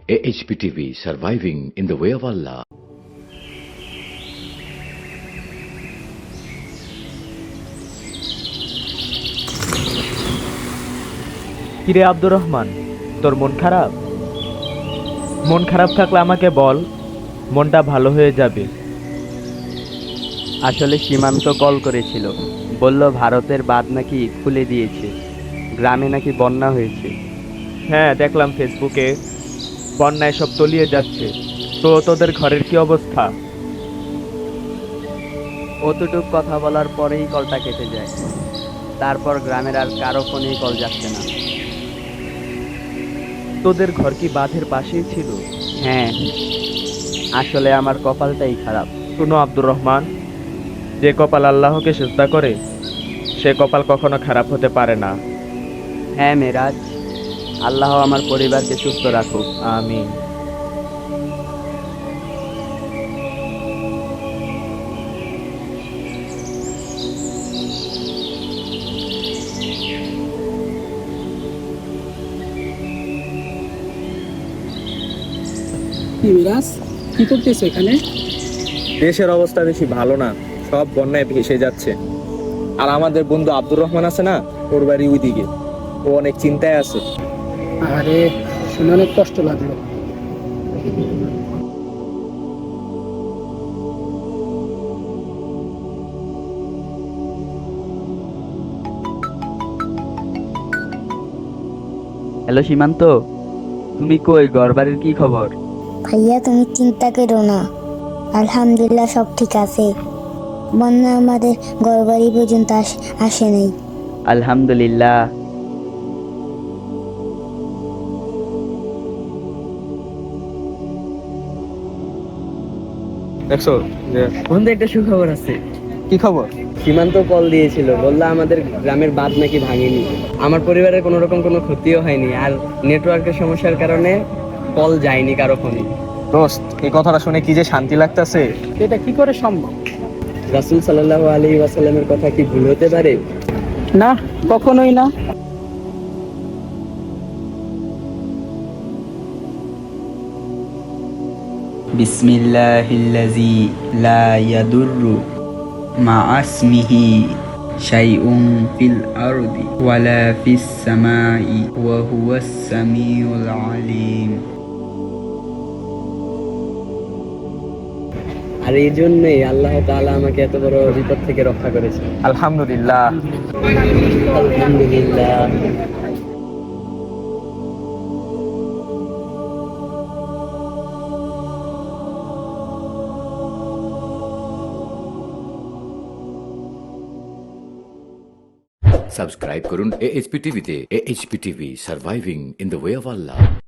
AHPTV, surviving in the way of Allah. কিরে আব্দুর রহমান, তোর মন খারাপ? মন খারাপ থাকলে আমাকে বল, মনটা ভালো হয়ে যাবে। আসলে সীমান্ত কল করেছিল, বলল ভারতের বাঁধ নাকি খুলে দিয়েছে, গ্রামে নাকি বন্যা হয়েছে। হ্যাঁ, দেখলাম ফেসবুকে বন্যায় সব তলিয়ে যাচ্ছে। তো তোদের ঘরের কি অবস্থা? অতটুক কথা বলার পরেই কলটা কেটে যায়। তারপর গ্রামের আর কারো ফোনেই কল যাচ্ছে না। তোদের ঘর কি বাঁধের পাশেই ছিল? হ্যাঁ, আসলে আমার কপালটাই খারাপ। শোনো আব্দুর রহমান, যে কপাল আল্লাহকে সিজদা করে সে কপাল কখনো খারাপ হতে পারে না। হ্যাঁ মেরাজ, আল্লাহ আমার পরিবারকে সুস্থ রাখুক। আমিন। কি মিরাজ, কি করতেছো এখানে? দেশের অবস্থা বেশি ভালো না, সব বন্যায় ভেসে যাচ্ছে। আর আমাদের বন্ধু আব্দুর রহমান আছে না, ওর বাড়ি ওইদিকে, ও অনেক চিন্তায় আছে। আরে, শুনে অনেক কষ্ট লাগলো। হ্যালো সীমান্ত, তুমি কই? ঘরবাড়ির কি খবর? ভাইয়া তুমি চিন্তা করো না, আলহামদুলিল্লাহ সব ঠিক আছে। বন্যা আমাদের ঘরবাড়ি পর্যন্ত আসে নাই। আলহামদুলিল্লাহ। দেখছো যে বন্ধু, একটা সুখবর আছে। কি খবর? সীমান্ত কল দিয়েছিল, বললো আমাদের গ্রামের বাঁধ নাকি ভাঙেনি, আমার পরিবারের কোনো রকম কোনো ক্ষতিও হয়নি, আর নেটওয়ার্কের সমস্যার কারণে কল যায়নি কারো ফোনে। দোস্ত, এই কথাটা শুনে কি যে শান্তি লাগতেছে। এটা কি করে সম্ভব? রাসূল সাল্লাল্লাহু আলাইহি ওয়াসাল্লামের কথা কি ভুল হতে পারে? না, কখনোই না। বিসমিল্লাহিল্লাযী লা ইয়াদুররু মা'আসমিহি শাইউন ফিল আরদি ওয়ালা ফিস সামাই ওয়া হুয়াস সামিউল আলীম। আর এই জন্যই আল্লাহ তাআলা আমাকে এত বড় বিপদ থেকে রক্ষা করেছে। আলহামদুলিল্লাহ। আলহামদুলিল্লাহ। Subscribe করুন AHPTV তে। AHPTV, surviving in the way of Allah.